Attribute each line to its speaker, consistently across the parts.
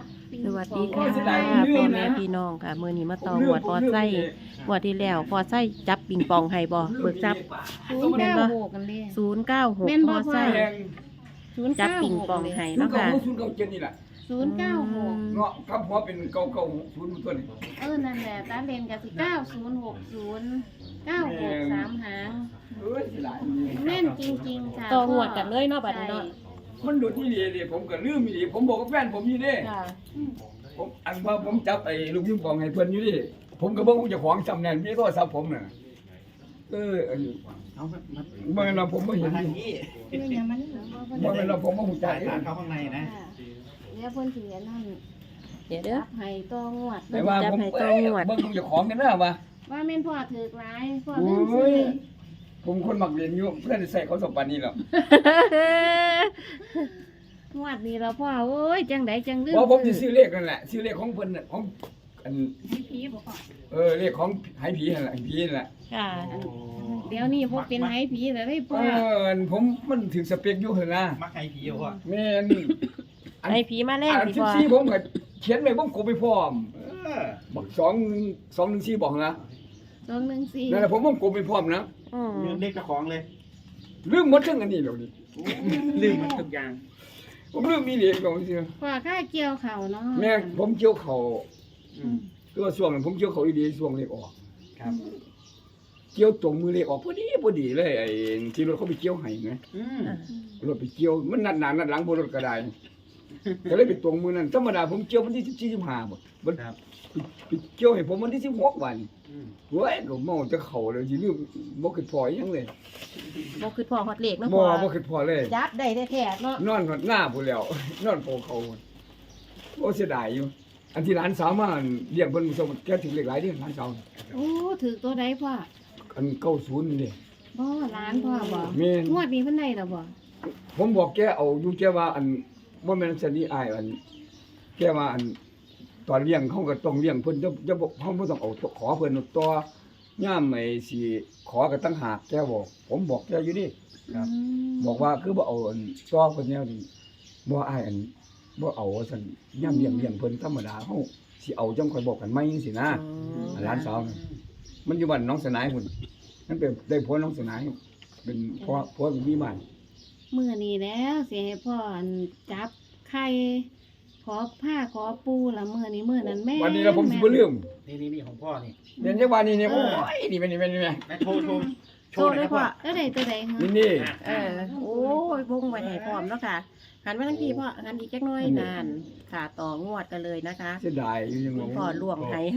Speaker 1: สวัสดีค่ะพ่อแม่พี่น้องค่ะมื้อนี้มาต่อหวดพอไส้หวดที่แล้วพอไส้จับปิงปองให้บ่เบิกจับแม่นบ่096พอไส้จับปิงปองให้เนาะค่ะ
Speaker 2: 097นี่แหละ
Speaker 3: 096
Speaker 2: เนาะกับหัวเป็น990ตัวนี้
Speaker 3: นั่นแหละตาเลนกับสิ9060 96 3 หาง
Speaker 2: เอ้ยสิหลาย
Speaker 3: แม่นจริงๆค่ะ
Speaker 1: ต่อหวดกันเลยเนาะบัดนี้เนาะ
Speaker 2: มันโดดที่นี่ดิผมก็ลืมอีหลีผมบอกกับแฟนผมอยู่เด้
Speaker 1: ค่ะ
Speaker 2: ผมอันว่าผมจับไอ้ลูกยิงปองให้เพิ่นอยู่ดิผมก็บ่ฮู้เจ้าของจำแน่นมีโทรศัพท์ผมน่ะอันนี้
Speaker 4: เอามา
Speaker 2: บ่แม่นว่าผมบ่เห็น
Speaker 4: ทาง
Speaker 2: อยู่
Speaker 4: นี้
Speaker 3: เรื่องอย่างมันเหรอว่าเพิ่น
Speaker 2: บ่แม่นว่าผมบ่ฮู้จั
Speaker 4: จ่าก ย
Speaker 2: เด้
Speaker 4: ทางเข้าข้างในนะ
Speaker 3: ค่ะเดี๋ยวเพิ่นสิอันนั่น
Speaker 1: เดี๋ยวเด้อ
Speaker 3: รับให้ต่องวด
Speaker 2: แต่ว่าผม
Speaker 1: จับให้ตรงหมด
Speaker 2: เบิ่งเจ้าของกันนะว่า
Speaker 3: ว่าแม่นพ่อถือกหลายพ่อ
Speaker 2: โอ
Speaker 3: เล่นซื้
Speaker 2: ้ย
Speaker 3: อ
Speaker 2: ผมคนมักเรียนอยู่เพื่อนได้ใส่เขาสมบัตินี่หรอก
Speaker 3: งวดนี้เราพ่อโอ้ยจังไดจังลืม
Speaker 2: เพราะผมจะซื้อเลขนั่นแหละซื้อเลขของเพิ่นน่ะของอัน
Speaker 3: ผีบ่พ่อ
Speaker 2: เลขของหายผีนั่นแหละผีนั่นแหละ
Speaker 1: ค่ะ
Speaker 3: เดี๋ยวนี้บ่เป็นไห้ผีแล้วได้พ่อ
Speaker 2: ผมมันถึงสเปคอยู่หั่นนะ
Speaker 4: มักไก่ผีเหรอพ่อ
Speaker 2: แม่น
Speaker 1: ให้ผีมาแลก
Speaker 2: อัน
Speaker 1: ดีกว่า
Speaker 2: 14ผมก็เขียนไว้ผมกบไปพร้อม
Speaker 4: เออ
Speaker 2: บอก214บอกนะ
Speaker 3: 214
Speaker 2: นั่นแหละผมกบไปพร้อมนะ
Speaker 1: อืม
Speaker 4: เรื่องเล็กเจ้าของเลย
Speaker 2: ลืมหมดทั้งอันนี้แล้วนี่
Speaker 4: ลืมมันทุกอย่าง
Speaker 2: ผมลืมมีเลขของซื่อ
Speaker 3: พ่อค่าเกี่ยวเขาเนาะ
Speaker 2: แม่ผมเกี่ยวเขา
Speaker 4: อืม
Speaker 2: คือว่าช่วงนั้นผมเกี่ยวเขาอีดีช่วงเลขออก
Speaker 4: ครับ
Speaker 2: เกี่ยวตรงมือเลขออกพอดีเลยไอ้ที่รถเขาไปเกี่ยวให้ไง
Speaker 4: อืม
Speaker 2: รถไปเกี่ยวมันนัดหนานัดหลังบนรถก็ได้ก็เลยไปตรงมือนั้นธรรมดาผมเกี่ยววันที่14 15บ่มัน
Speaker 4: ครับ
Speaker 2: ไปเกี่ยวให้ผมวันที่16วัน
Speaker 4: อืม
Speaker 2: เว้ยก็เมาจะเข้าเลยสิลืมบ่คิดพออีหยังเลย
Speaker 1: บ่คือพ่อฮอดเลขเนาะ
Speaker 2: บ่
Speaker 1: พ่อ
Speaker 2: บ่คิดพอเลย
Speaker 1: จับได้แท้ๆเนาะ
Speaker 2: นอนหดหน้าพุ่นแล้ว นอนโปเขาโอ้เสียดายอยู่ อันที่ร้านสาวมาเลี้ยงเพิ่นมื้อส่งแกถึงเลขหลายเด้ร้านสาว
Speaker 3: โอ้ถือตัวใดพ่อ
Speaker 2: อัน90นี่เด้
Speaker 3: บ่ร้านพ่อบ่
Speaker 2: แม่น
Speaker 3: งวดนี้เพิ่นได้แล้วบ่
Speaker 2: ผมบอกแกเอาอยู่แกว่าอันบ่แม่นสนิอายอันแกว่าอันตอนเลี้ยงเขาก็ต้องเลี้ยงเพิ่นจะบอกเขาบ่ต้องเอาขอเพิ่นต่อย่ามไอ้สิขอก็ตั้งหากแกบอกผมบอกแกอยู่ดิ
Speaker 4: ครับ
Speaker 2: บอกว่าคือบ่เอาอันต่อเพิ่นแนวนี้บ่อายอันบ่เอาว่าซั่นย่ามเลี้ยงเพิ่นธรรมดาเฮาสิเอาจังค่อยบอกกันใหม่จังซี่นะหลานสาวน่ะมันอยู่บ้านน้องสนายพุ่นมันเป็นได้ผัวน้องสนายเป็นผัวมีบ้าน
Speaker 3: มื้อนี้แล้วสิให้พ่ออันจับไข่ขอผ้าขอปูละมื้อนี้มื้อนั้นแม่
Speaker 2: วันนี้แล้วผมสิบ่ลืม
Speaker 4: นี่ของพ่อนี่
Speaker 2: เรียนจังหวะนี้เนี่ยโอ้ยนี่เป็น
Speaker 4: แม่โชว์
Speaker 1: โชว์เลยพ่อ
Speaker 3: แล้วได้ตัวใดฮะ
Speaker 2: นี่
Speaker 1: โอ้ยวงไว้ให้พร้อมเนาะค่ะหันมาทั้งทีพ่อหันอีกจักหน้อยนานค่ะต่องวดกันเลยนะคะ
Speaker 2: เสียดายอยู่ยัง
Speaker 1: คุณพ่อล่วงให้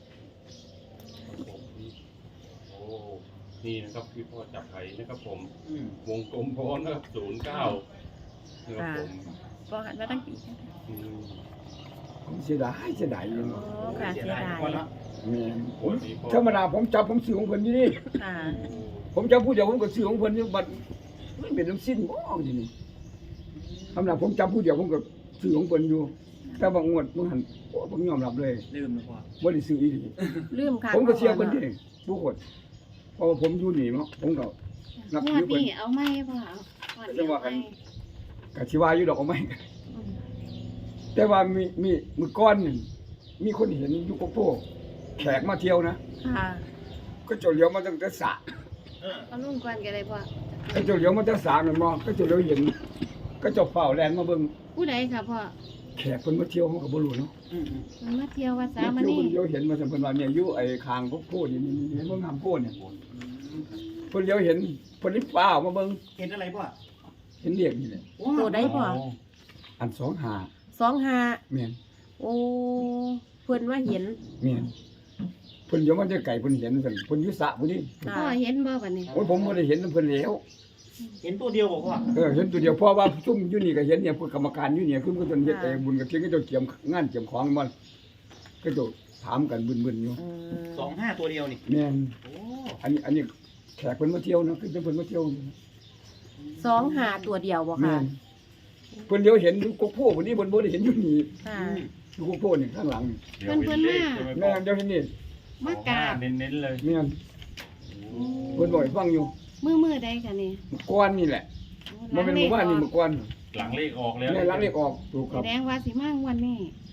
Speaker 5: โอ้นี่นะครับพี่พ่อจับไห้นะครับผม
Speaker 4: อืม
Speaker 5: วงกลมพอนะครับ09นะครับผม
Speaker 1: พ่อหันมาทั้งที
Speaker 5: อืม
Speaker 2: เสียดายอยู่
Speaker 1: โอ้ค่ะเสียดาย
Speaker 4: พ่อเนาะ
Speaker 2: แม่นผมธรรมดาผมจับผมซื้อของเพิ่นอยู่นี่
Speaker 1: ค่ะ
Speaker 2: ผมจับผู้เดียวผมก็ซื้อของเพิ่นอยู่บัดมันเป็นน้ำสิ้นบ่ทีนี้ธรรมดาผมจับผู้เดียวผมก็ซื้อของเพิ่นอยู่แต่บางงวดบ่หันโอ้ผมยอมรับเลย
Speaker 4: ลืมนะพ่อ
Speaker 2: บ่ได้ซื้ออีหลี
Speaker 1: ลืมค่ะ
Speaker 2: ผมก็เสียเพิ่นเองทุกคนเพราะว่าผมอยู่นี่เนาะผมก็นับ
Speaker 3: งว
Speaker 2: ถื
Speaker 3: ด
Speaker 2: อเพิ่น
Speaker 3: นี้เอาไหมพ่อเอางวดนี้เอาไหม
Speaker 2: ก็สิว่าอยู่ดอกเอาไหม
Speaker 3: อืม
Speaker 2: แต่ว่ามีมื้อก่อนนี่มีคนเห็นอยู่โกโก้แขกมาเที่ยวนะ
Speaker 1: ค่ะ
Speaker 2: ก็เจ้าเหลียวมาตั้งแต่สระ
Speaker 4: เออ
Speaker 3: เอาลุงก่อนก็ได้พ่อ
Speaker 2: ก็เจ้าเหลียวมาตั้งแต่สระนั่นบ่ก็เจ้าเหลียวเห็นก็เจ้าเฝ้าแลนมาเบิ่ง
Speaker 3: ผู้ใดค่ะพ่อ
Speaker 2: แขกเพิ่นมาเที่ยวเฮาก็บ่รู้เนาะ
Speaker 4: อืม
Speaker 3: มันมาเที่ยววัดสา
Speaker 2: เที่ยว
Speaker 3: มา
Speaker 2: เพิ่
Speaker 3: นี่
Speaker 2: นเลี้ยวเห็นมาซั่นเพิ่นว่าเนี่ยอยู่ไอ้คางโกโก้นี่เห็นบ่งามโก้เนี่ยเพิ่นเลี้ยวเห็นเพิ่นรีบฟ้าวมาเบิ่ง
Speaker 4: เห็นอะไรพ่อ
Speaker 2: เห็นเรียกนี่แหละ
Speaker 1: ตัวใดพ่อ
Speaker 2: อัน25
Speaker 1: 25
Speaker 2: แม่น
Speaker 1: โอ้เพิ่นว่าเห็น
Speaker 2: แม่นเพิ่นเดี๋ยวมันจะไก่เพิ่นเห็นซั่นเพิ่นอยู่สระพุ่นนี่
Speaker 1: ค่ะ
Speaker 3: พ่อเห็นบ่บัดนี้
Speaker 2: โอ้ยผมบ่ได้เห็นนำเพิ่นแล้ว
Speaker 4: เห็นตัวเดียวบอกพ่อ
Speaker 2: เห็นตัวเดียวเพราะว่าซุ่มอยู่นี่ก็เห็นเนี่ยพวกกรรมการอยู่เนี่ยคือมันก็จนเฮ็ดบุญกับเที่ยงก็เจ้าเกี่ยมงานเกี่ยมของมันก็เจ้าถามกันบึนๆอยู่
Speaker 1: อืม
Speaker 4: 25ตัวเดียวนี่
Speaker 2: แม่น
Speaker 4: โอ้
Speaker 2: อันนี้แขกเพิ่นมาเที่ยวนะคือเพิ่นมาเที่ยวอยู่
Speaker 1: 25ตัวเดียวบ่
Speaker 2: แม่
Speaker 1: ค่ะ
Speaker 2: นเพิ่นเดียวเห็นอยู่กกโพพุ่นนี่เพิ่นบ่ได้เห็นอยู่นี่
Speaker 1: ค่ะ
Speaker 2: อยู่กกโพนี่ข้างหลังนี่
Speaker 5: เดี๋ยวเป็นเลขใช่ไหม
Speaker 2: แม่นเดี๋ยวเห็นนี่
Speaker 3: มากราบ
Speaker 5: เน้นๆเลย
Speaker 2: แม่นเพิ่นบ่ให้ฟังอยู่
Speaker 3: มือใดค่ะนี่
Speaker 2: เมื่อก่อนนี่แหละบ่แม่นเมื่อวานนี่เมื่อก่อน
Speaker 5: หลังเลขออกแล้ว
Speaker 2: แม่หลังเลขออกถูกค
Speaker 3: แส
Speaker 2: รับ
Speaker 3: ดงว่าสิมางวันนี้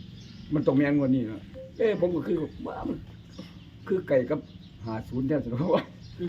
Speaker 2: มันต้องแม่นกว่านี้เนาะผมก็คือว่ามันคือไก่กับ50แท้สิว่า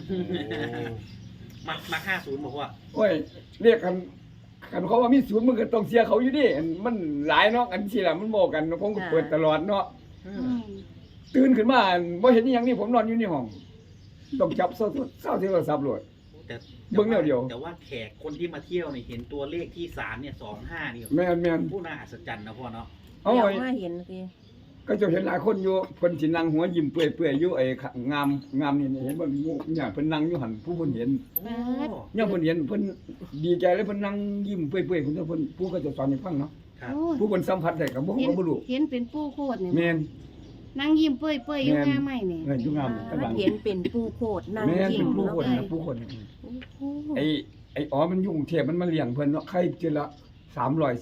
Speaker 4: มา50บอกว่า
Speaker 2: โอ้ยเรียกกันเขาว่ามีศูนย์มันก็ต้องเสียเขาอยู่ดิมันหลายเนาะอันสิล่ะมันบอกกันผมก็เปิดตลอดเนาะ
Speaker 3: อืม
Speaker 2: ตื่นขึ้นมาบ่เห็นอีหยังนี่ผมนอนอยู่ในห้องต้องจับเศร้าโทรศัพท์โลด
Speaker 4: แต่
Speaker 2: เบิ่งแนวเดียว
Speaker 4: แต่ว่าแขกคนที่มาเที่ยวเนี่ยเห็นตัวเลขที่ศาลเนี่ย25นี่
Speaker 2: แม่น
Speaker 4: ผู้น่าอัศจรรย์นะพ่อเนาะ
Speaker 2: เอา
Speaker 1: เดี๋ยว
Speaker 2: ไว้
Speaker 1: มาเห็นสิ
Speaker 2: ก็จะเห็นหลายคนอยู่เพิ่นสินั่งหัวยิ้มเปื่อยๆอยู่ไอ้งามนี่เห็นบ่มีเนี่ยเพิ่นนั่งอยู่หั่นผู้เพิ่นเห็น
Speaker 4: โอ้
Speaker 2: เนี่ยเพิ่นเห็นเพิ่นดีใจเลยเพิ่นนั่งยิ้มเปื่อยๆเพิ่นเพิ่นผู้ก็จะสอนให้ฟังเนาะ
Speaker 4: ครับ
Speaker 3: โอ้
Speaker 2: ผู้เพิ่นสัมผัสได้ก็บ่
Speaker 3: เห็น
Speaker 2: รู้
Speaker 3: เห็นเป็นปูโคตรนี่
Speaker 2: แม่น
Speaker 3: นั่งยิ้มเปื่อยๆอยู่หน้าไม้นี่
Speaker 2: เงินอยู่งามกำลัง
Speaker 1: เห็นเป็นปูโคดนั่ง
Speaker 2: แม่น
Speaker 1: ยิ้
Speaker 2: เป็
Speaker 1: ม
Speaker 2: นผู้
Speaker 1: เนาะ
Speaker 2: คน
Speaker 1: เอ้ย
Speaker 2: นะผู้คน
Speaker 1: โอ้โห
Speaker 2: ไอ้อ๋อมันอยู่กรุงเทพมันมาเลี้ยงเพิ่นเนาะใครเจอละ300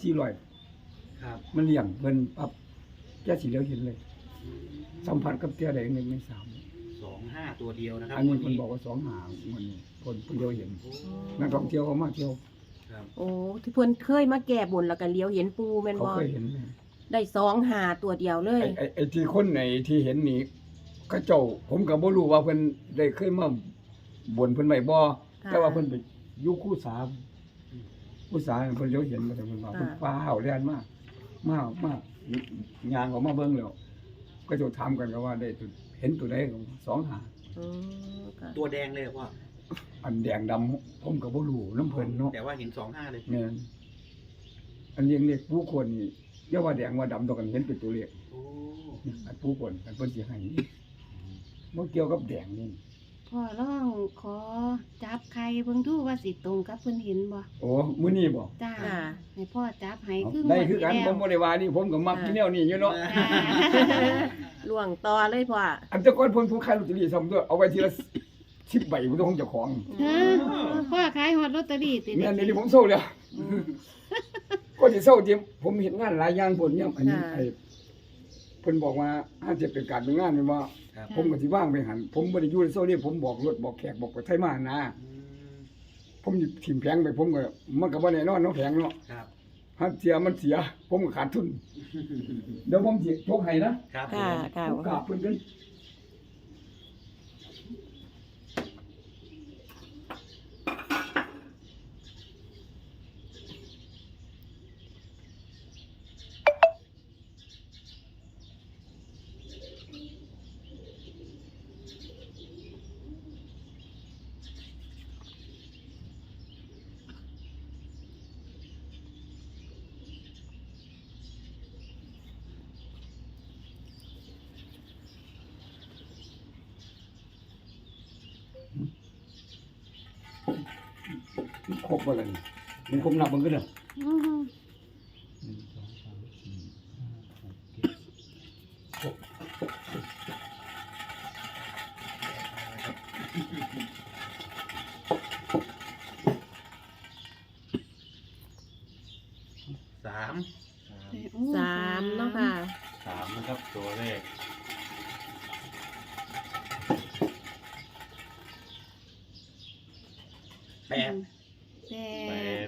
Speaker 2: 400
Speaker 4: ครับ
Speaker 2: มันเลี้ยงเพิ่นปั๊บแกสิเหลียวเห็นเลย สัมผัสกับเตี้ยได้1ใน3
Speaker 4: 25ตัวเดียวนะครับ
Speaker 2: อันนี้เพิ่นบอกว่า2หางมันนี่เพิ่นเดียวเห็น
Speaker 4: โอ้
Speaker 2: นักท่องเที่ยวเขามาเที่ยว
Speaker 4: ครับ
Speaker 1: โอ้ที่เพิ่นเคยมาแก้บนแล้วก็เลี้ยวเห็นปูแม่น
Speaker 2: เขา
Speaker 1: บ่
Speaker 2: เคยเห็นไหม
Speaker 1: ได้2 หาตัวเดียวเลย
Speaker 2: ไอ้ที่คนไหนที่เห็นนี่เขาเจ้าผมก็บ่รู้ว่าเพิ่นได้เคยมาบ่นเพิ่นไว้บ่
Speaker 1: ค่ะ
Speaker 2: แต่ว่าเพิ่นไปอยู่คู่สาคู่สาเพิ่นเลี้ยวเห็นมาแต่เพิ่นว่า
Speaker 1: ค่ะ
Speaker 2: เพิ่นฟ้าวแล่นมากยางออกมาเบิ่งแล้วก็จะถามกันก็ว่าได้ตัวเห็นตัวใดก็2หา
Speaker 1: อืมค่ะ
Speaker 4: ตัวแดงเลยเหรอพ่อ
Speaker 2: อันแดงดำผมก็บ่รู้น้ำเพิ่นเนาะ
Speaker 4: แต่ว่าเห็น25เลย
Speaker 2: แม่นอันเลี้ยงเล็กผู้คนนี่อย่าว่าแดงว่าดำตัวกันเห็นเป็นตัวเลข
Speaker 4: โอ้
Speaker 2: อันผู้คนอันเพิ่นสิให้บ่เกี่ยวกับแดงนี่
Speaker 3: พ่อลองขอจับใครเบิ่งดูว่าสิตรงกับเพิ่นเห็นบ่
Speaker 2: โอ้มื้อนี้บ่
Speaker 3: จ้า
Speaker 1: ค่ะ
Speaker 3: ให้พ่อจับให้
Speaker 2: เอา
Speaker 3: คือ
Speaker 2: ได้คือกัน
Speaker 3: งวดที่
Speaker 2: ผมบ่ได้ว่านี่ผมก็มัก
Speaker 1: ค่ะ
Speaker 2: ที่แนวนี้อยู่เนาะ
Speaker 3: จ้า
Speaker 1: ล่วงต่อเลยพ่อ
Speaker 2: อันแต่ก่อนเพิ่นผู้ขายลอตเตอรี่ซ้ำด้วยเอาไว้ทีละ10ใบบ่ต้องของเจ้าของ
Speaker 3: ฮะพ่อขายฮอดลอตเตอรี่ติ
Speaker 2: แม่นนี่ผมเศร้าแล้วก็สิเศร้าจริงผมเห็นงานหลายอย่างพุ่นเนี่ยอันนี้ไอ้เพิ่นบอกว่าอาจจะเป็นการเป็นงานแม่นบ่
Speaker 4: ครับ
Speaker 2: ผมก็สิว่างไปหันผมบ่ได้อยู่ในโซนนี้ผมบอกรถบอกแขกบอกไปไทยมานะ
Speaker 4: อืม
Speaker 2: ผมสิถิ่มแผงไปผมก็มันก็บ่แน่นอนเนาะแผงเนาะ
Speaker 4: ครับ
Speaker 2: ถ้าเสียมันเสีย ผมก็ขาดทุน เดี๋ยวผมสิโชคให้นะครับ
Speaker 1: ค่ะค่ะ
Speaker 2: ผมกราบเพิ่นกันครบบ่ล่ะนี่มันครบนับเบิ่งกันเด้อ
Speaker 3: อือ
Speaker 4: 3
Speaker 1: 3เนาะค่ะ
Speaker 5: 3นะครับตัวเลข
Speaker 4: 8
Speaker 3: แป
Speaker 5: แป
Speaker 3: ด
Speaker 5: ด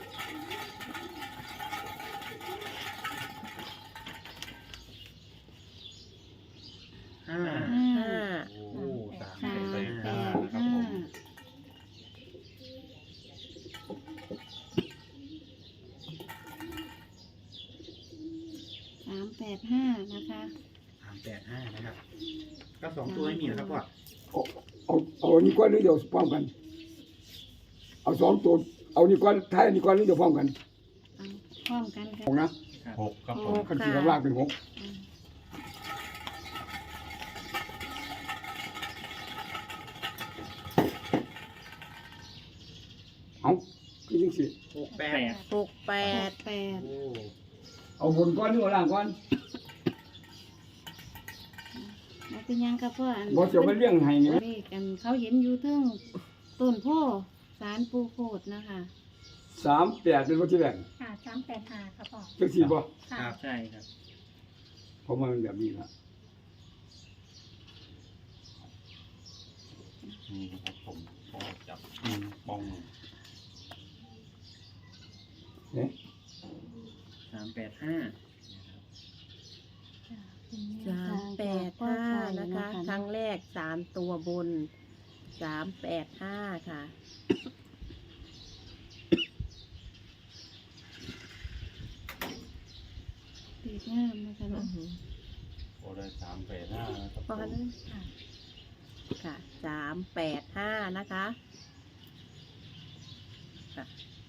Speaker 4: 5
Speaker 3: ห้า
Speaker 5: โอ้สาม
Speaker 3: สาม
Speaker 5: ใส่
Speaker 3: แป
Speaker 5: ห้า
Speaker 3: ด
Speaker 5: นะครับ
Speaker 3: ห้า
Speaker 5: ผม
Speaker 3: 385นะคะ
Speaker 4: 385นะครับก็2ตัวไม่มีนะครับพ่อ
Speaker 2: เอาอันนี้ก่อนหรือเดี๋ยวพร้อมกัน เอา2ตัวเอานี่ก่อนท้ายอันนี้ก่อนหรือเดี๋ยวพร้อมกัน
Speaker 3: เอาพร้อมกันกั
Speaker 2: ขอน งนะ
Speaker 5: 6ครับผม
Speaker 2: คันสิข้างล่างเป็น6เอาคือจังซี่
Speaker 4: 68
Speaker 3: แปด
Speaker 1: 68
Speaker 3: แปด
Speaker 4: โอ้
Speaker 2: เอาบนก่อนหรือเอาล่างก่อน
Speaker 3: มันเป็นหยังกับพ่ออัน
Speaker 2: บ่เสียวมาเลี้ยงให้นี่
Speaker 3: เลขกันเขาเห็นอยู่เทิงต้นโพสารปูโคดนะคะ
Speaker 2: 38เป็นบ่ที่แรก
Speaker 6: ค่ะ385ครับพ่อ
Speaker 2: จังซี่บ่
Speaker 4: ค
Speaker 6: ค่ะ
Speaker 4: รับใช่ครับ
Speaker 2: ผมว่ามันแบบนี้ล่ะ
Speaker 5: นี่นะครับผมพ่อจับปอง
Speaker 2: เนี่ย
Speaker 4: 385
Speaker 1: 385นะคะ ครั้งแรก3ตัวบน385ค่ะ
Speaker 3: ตีงามนะคะเนาะ
Speaker 5: โอ้ได้385นะครับ
Speaker 1: พอกันเลยค่ะ385นะคะค่ะ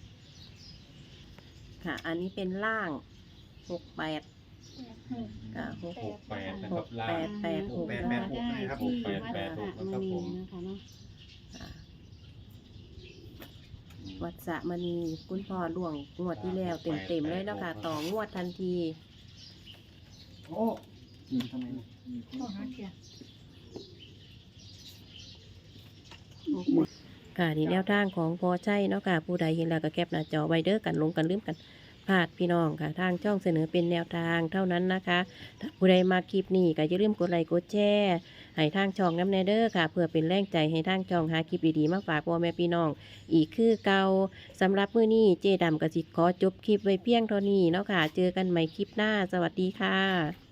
Speaker 1: ค่ะ อันนี้เป็นล่าง68ค่ะ
Speaker 5: 68นะครับล่าง
Speaker 1: 886
Speaker 3: ได้
Speaker 1: นะคะ
Speaker 3: ที่วัดพระมณีนะคะเนาะ
Speaker 1: ค่ะวัดสระมณีคุณพ่อล่วงงวดที่แล้วเต็มๆเลยเนาะค่ะ ต่องวดทันที
Speaker 2: โอ้ทำไม
Speaker 6: โอ้หาเทีย
Speaker 1: ค่ะนี่แนวทางของพอใจเนาะค่ะ ผู้ใดเห็นแล้วก็แคปหน้าจอไว้เด้อกันลงกันลืมกันพลาดพี่น้องค่ะ ทางช่องเสนอเป็นแนวทางเท่านั้นนะคะถ้าผู้ใดมาคลิปนี้ก็อย่าลืมกดไลค์กดแชร์ให้ทางช่องน้ำแนเด้อค่ะ เพื่อเป็นแรงใจให้ทางช่องหาคลิปดีๆมาฝากพ่อแม่พี่น้อง อีกคือเก่าสำหรับมื้อนี้เจดำกสิขอจบคลิปไว้เพียงเท่านี้เนาะค่ะ เจอกันใหม่คลิปหน้าสวัสดีค่ะ